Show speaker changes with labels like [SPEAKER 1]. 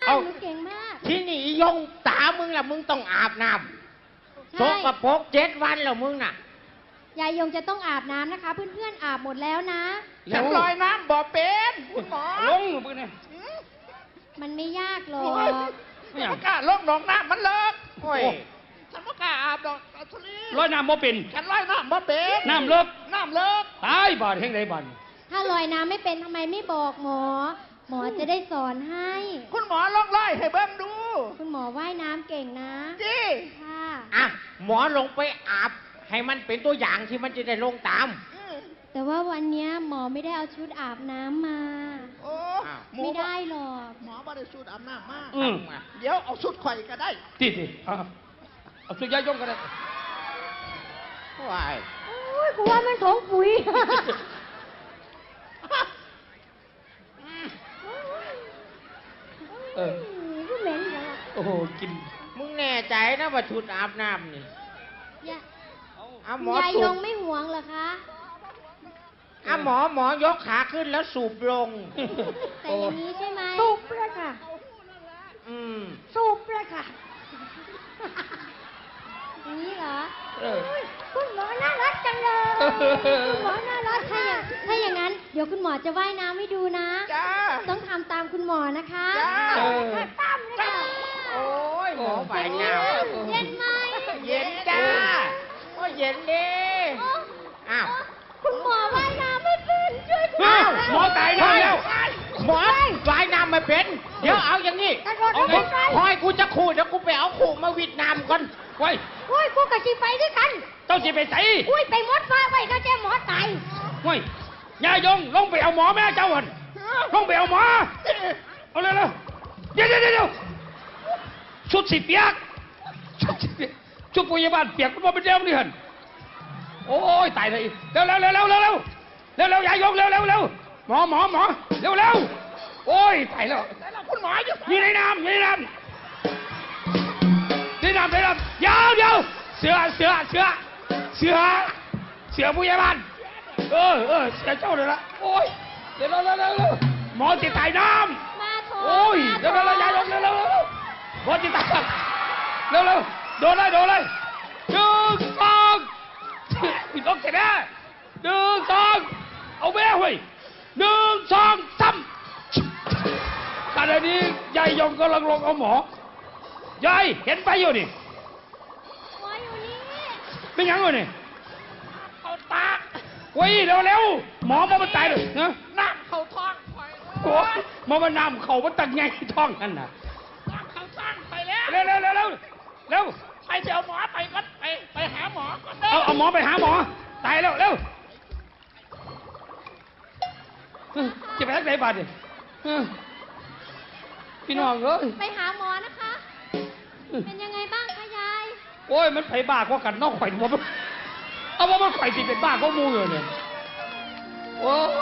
[SPEAKER 1] ค่ะหนูเก่งมาก
[SPEAKER 2] ที่นี่ยงตามึงล่ะมึงต้องอาบน้ำสกปรก7 วันแล้วมึงน่ะ
[SPEAKER 1] ยายยงจะต้องอาบน้ำนะคะเพื่อนๆอาบหมดแล้วนะ
[SPEAKER 3] ฉันลอยน้ำบ่เป็นคุณหมอ
[SPEAKER 4] ลงมือเนี่ย
[SPEAKER 1] มันไม่ยากหรอก
[SPEAKER 3] ไม่กล้าลงหนองน้ำมันเลิกโอ้ยฉันไม่กล้าอาบดอกอัศรี
[SPEAKER 4] ลอยน้ำบ่เป็น
[SPEAKER 3] ฉันลอยน้ำบ่เป็น
[SPEAKER 4] น้ำเลิกตายบาดแห่งใดบาด
[SPEAKER 1] ถ้าลอยน้ำไม่เป็นทำไมไม่บอกหมอหมอจะได้สอนให้
[SPEAKER 3] คุณหมอลองไล่ให้เบิ้งดู
[SPEAKER 1] คุณหมอว่ายน้ำเก่งนะ
[SPEAKER 3] จี
[SPEAKER 1] ค่ะ
[SPEAKER 2] อ่ะหมอลงไปอาบให้มันเป็นตัวอย่างที่มันจะได้ลงตาม
[SPEAKER 1] แต่ว่าวันนี้หมอไม่ได้เอาชุดอาบน้ำมา
[SPEAKER 3] โอ้
[SPEAKER 1] ไม่ได้หรอก
[SPEAKER 3] หมอไม่ได้ชุดอาบน้ำมาเดี๋ยวเอาชุดข่อยก็ได้
[SPEAKER 4] ติเอาชุดยายยงก็ได้
[SPEAKER 2] ว้าย
[SPEAKER 1] โอ้ยกูว่ามันของปุ๋ยก็เหม็นเหรอ
[SPEAKER 4] โอ้โหกิน
[SPEAKER 2] มึงแน่ใจนะว่าชุดอาบน้ำนี่
[SPEAKER 1] ยายยงไม่ห่วงเหรอคะ
[SPEAKER 2] หมอยกขาขึ้นแล้วสูบลง
[SPEAKER 1] แต่อย่างนี้ใช่ไหมสูบเลยค่ะสูบเลยค่ะอย่างนี้เหรอคุณหมอน่ารักจังเลยคุณหมอน่ารักถ้าอย่างนั้นเดี๋ยวคุณหมอจะว่ายน้ำให้ดูนะต้องทำตามคุณหมอนะคะตามเลยค่ะ
[SPEAKER 2] โอ้ยหมอว่ายน้
[SPEAKER 1] ำเย็นไหม
[SPEAKER 2] เย็นจ้าโอ้ยเย็นดิอ้าว
[SPEAKER 1] คุณหมอว่ายน้ำไม่เป็นช่วยคุณ
[SPEAKER 4] หมอตายแล้ว
[SPEAKER 2] หมอว่ายน้ำไม่เป็นเดี๋ยวเอาอย่างนี้คอยกูจะขู่เดี๋ยวกูไปเอาขู่มาวิดน้ำก่อน
[SPEAKER 4] ไว้
[SPEAKER 1] กูกับชีไปด้วยกัน
[SPEAKER 4] เจ้าชีไปใส่
[SPEAKER 1] ไปมดฟ้าไปก็แจ้หมอตาย
[SPEAKER 4] ไว้ยายยงลงไปเอาหมอแม่เจ้าหันลงไปเอาหมอเอาเลยเดี๋ยวชุดสีเปียกชุดพยาบาลเปียกมันเป็นเดียวนี่หันโอ้ยตายเลยเร็วยายยงเร็วหมอเร็วโอ้ยตายแล้ว
[SPEAKER 3] คุณหมอ
[SPEAKER 4] อยู่ในน้ำยาวเสือผู้ใหญ่บ้านเสือเจ้าเลยละโอ้ยเร็วหมอติดตายน้ำโอ้ยเร็วยายยงเร็วหมอติดตายเร็วโดนเลย1 2พี่ต้องเสร็จแล้ว1 2เอาแม่เว้ย1 2 3ขณะนี้ยายยงกำลังลงเอาหมอยายเห็นไปอยู่นี่
[SPEAKER 1] หมออยู่นี่
[SPEAKER 4] เป็นยังไงนี่
[SPEAKER 3] เอาตา
[SPEAKER 4] เว้ยเร็วหมอมันตายเลยนะ
[SPEAKER 3] น้ำเข้าท้องไป
[SPEAKER 4] โอ้ยมันน้ำเข้ามันตักไงท้องนั่นน่ะ
[SPEAKER 3] น้ำเข้าท้องไปแล้ว
[SPEAKER 4] เร็ว
[SPEAKER 3] ไปเดี๋ยวหมอไปก็ไปหาหมอก็ได้
[SPEAKER 4] เอาหมอไปหาหมอตายแล้วจะไปทักไหนบาดเนี่ยพี่น้อง
[SPEAKER 1] ไปหาหมอนะคะเป็นยังไงบ้างคะยาย
[SPEAKER 4] โอ้ยมันไปบ้าก็กันนอกข่อยเอาว่ามันข่อยติดเป็นบ้าก็มูอยู่เนี่ยโอ้